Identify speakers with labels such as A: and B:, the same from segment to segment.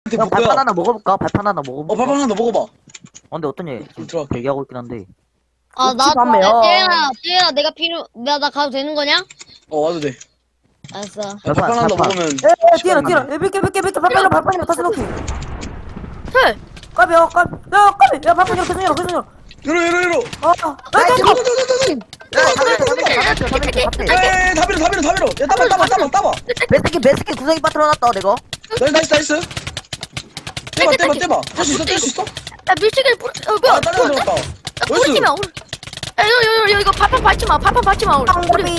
A: 야,
B: 뭐야?
A: 발판 하나 먹어볼까? 발판 하나 먹어볼까?
B: 발판 하나 먹어봐.
A: 근데 어떤 얘?
B: 들어.
A: 얘기하고 있긴 한데.
C: 아, 나,
A: 밤에요.
C: 쟤야, 내가 나 가도 되는 거냐?
B: 와도 돼.
C: 알았어.
B: 발판 하나
A: 발판.
B: 먹으면.
D: 에 뛰어라 뛰어라 몇개 발판이랑 발판이랑 다시 넣기
E: 헐.
D: 까비 야 발판 이렇게 계속 열어
B: 이러.
A: 나이스!
B: 에이, 다 밀어. 야, 따봐.
A: 베스킨 구석이 빠뜨려놨다, 내가.
B: 나이스. 떼봐. 뗄 수 있어?
E: 야 밀치기를 뿌리. 뭐야?
B: 아, 따라 들었다.
E: 뿌리지 마. 야 이거 발판 밟지 마. 우리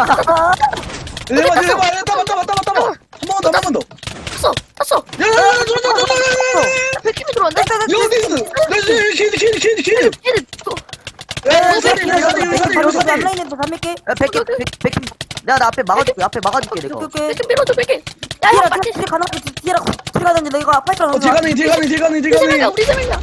B: 내봐. 따봐. 한 번 더.
E: 탔어.
B: 야,
E: 백팀이 들어왔네.
B: 퀴드. 야, 사리.
D: 앞라인에도 담을게
A: 야, 베스킨. 나 앞에 막아줄게, 내가.
D: 오케이
E: 백팀 밀어줘 백팀. 야형
D: 뒤에라
E: 맞지?
D: 뒤에 가능하지 뒤에라 뒤에가 되는데 이거 파이트랑
B: 뒤 가능해.
E: 우리 세 명이야.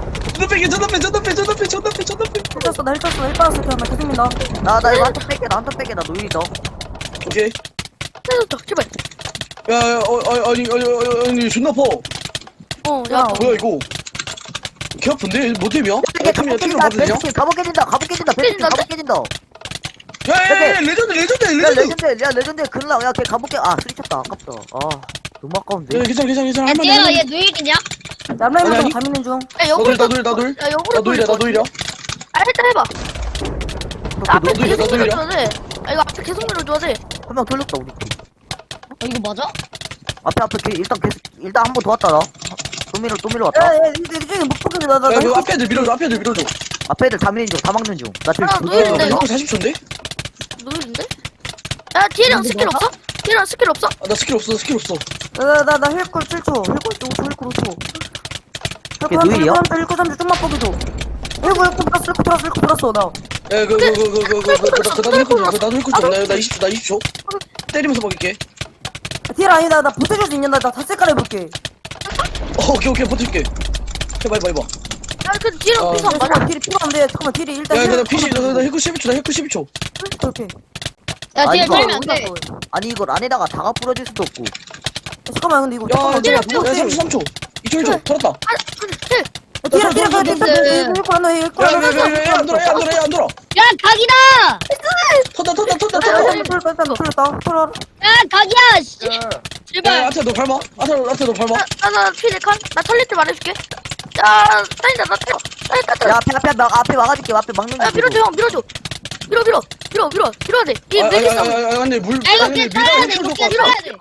B: 전답해.
D: 힐쳤어 나 힐 빠졌어 그냥 나 계속 민다
A: 나 이거 한턱 뺄게, 나 노일이다.
B: 오케이.
E: 살려줘 제발.
B: 야, 아니, 존나 퍼.
E: 야
B: 뭐야, 이거. 개 아픈데? 뭐 때문이야?
A: 이게
B: 팀이야, 팀으로 봐도 되냐?
A: 베스킨 갑옷 깨진다. 베스킨 갑옷 깨진다.
B: 야, 레전드.
A: 야, 레전드 글라. 야, 걔 갑옷 깨. 아, 수리쳤다. 아깝다. 아, 너무 아까운데.
B: 야, 괜찮아.
C: 야, 쟤야,
B: 할만해.
C: 얘 누일이냐?
D: 앞라인에도
B: 아니?
D: 담는 중
E: 야 역으로
B: 나돌.
E: 야 역으로
B: 나 노이려.
E: 아 일단 해봐. 앞에
B: 너도
E: 계속
B: 이겨.
E: 밀어줘야 돼. 이거 앞에 계속 밀어줘야 돼.
A: 한 명 돌렸다, 우리 팀.
C: 이거 맞아?
A: 앞에 일단 한 번 더 왔다, 나. 또 밀어 왔다.
D: 야야 이쪽에 못 보게 나나
B: 야, 그 앞에 애들 밀어줘.
A: 앞에 애들 다 밀린 중, 다 막는 중. 나 지금
E: 아,
A: 두
E: 노일인데,
A: 개.
E: 이거?
B: 40초인데?
E: 누구인데? 야 뒤에랑 스킬 없어? 뒤에랑 스킬 없어?
B: 아, 나 스킬 없어.
D: 나 힐쿨 7초 힐쿨 5초
A: 걔 누일이야?
D: 힐쿨 3초 좀만 뻑여줘 힐쿨 들었어 나
B: 야, 나도 힐 좀. 나 20초. 때리면서 먹일게.
D: 뒤에라 아니다 나 보태줄 수 있냐 나 다색깔 해볼게
B: 오케이, 버틸게. 해봐.
E: 야그 뒤에랑
B: 어.
E: 비서 안 맞아.
D: 딜이 필요한데 잠깐만 딜이 일단
B: 야, 나 PC, 나 힐 12초.
D: 오케이
C: 야,
A: 아니,
C: 쟤
A: 이거
C: 살면 안 돼.
A: 아니, 이걸 안에다가 다가 뿌려줄 수도 없고.
D: 잠깐만 근데 이거
B: 야,
D: 잠깐만
B: 야, 33초. 2초 1초. 털었다.
D: 뒤에라 가야 돼 힐쿨 하나 힐쿨 하나
B: 야, 안 돌아.
C: 야, 각이다!
B: 터다.
D: 털렸다 털어
C: 야, 각이야! 씨!
B: 야,
C: 제발.
B: 아트 너 밟아. 아트 너 밟아.
E: 나 피디칸? 나 털릴 때 말해줄게. 야 다니다 나 털어.
A: 야, 앞에 막아줄게. 앞에 막는
E: 야
A: 중.
E: 밀어줘 형 밀어줘. 밀어야 돼. 이 밀리스.
B: 근데 물.
C: 야, 이거 깨 따야 돼, 이거 깨 따야 돼.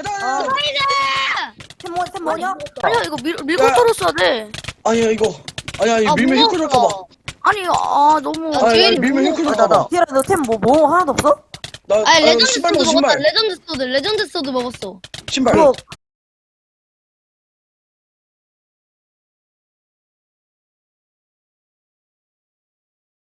D: 템 뭐냐?
E: 아니야 이거 밀고
B: 야.
E: 털었어야 돼.
B: 아니야, 이거. 아니야,
C: 아,
B: 밀면 힐 줄까봐.
E: 아니 너무.
C: 아, 제일이
B: 밀면 힐
C: 무거워.
B: 줄까봐.
D: 뒤에라 너템 뭐 하나도 없어?
B: 나
C: 아, 레전드
B: 신발
C: 소드
B: 먹어,
C: 먹었다.
B: 신발.
C: 레전드 소드 먹었어.
B: 신발.
D: 그거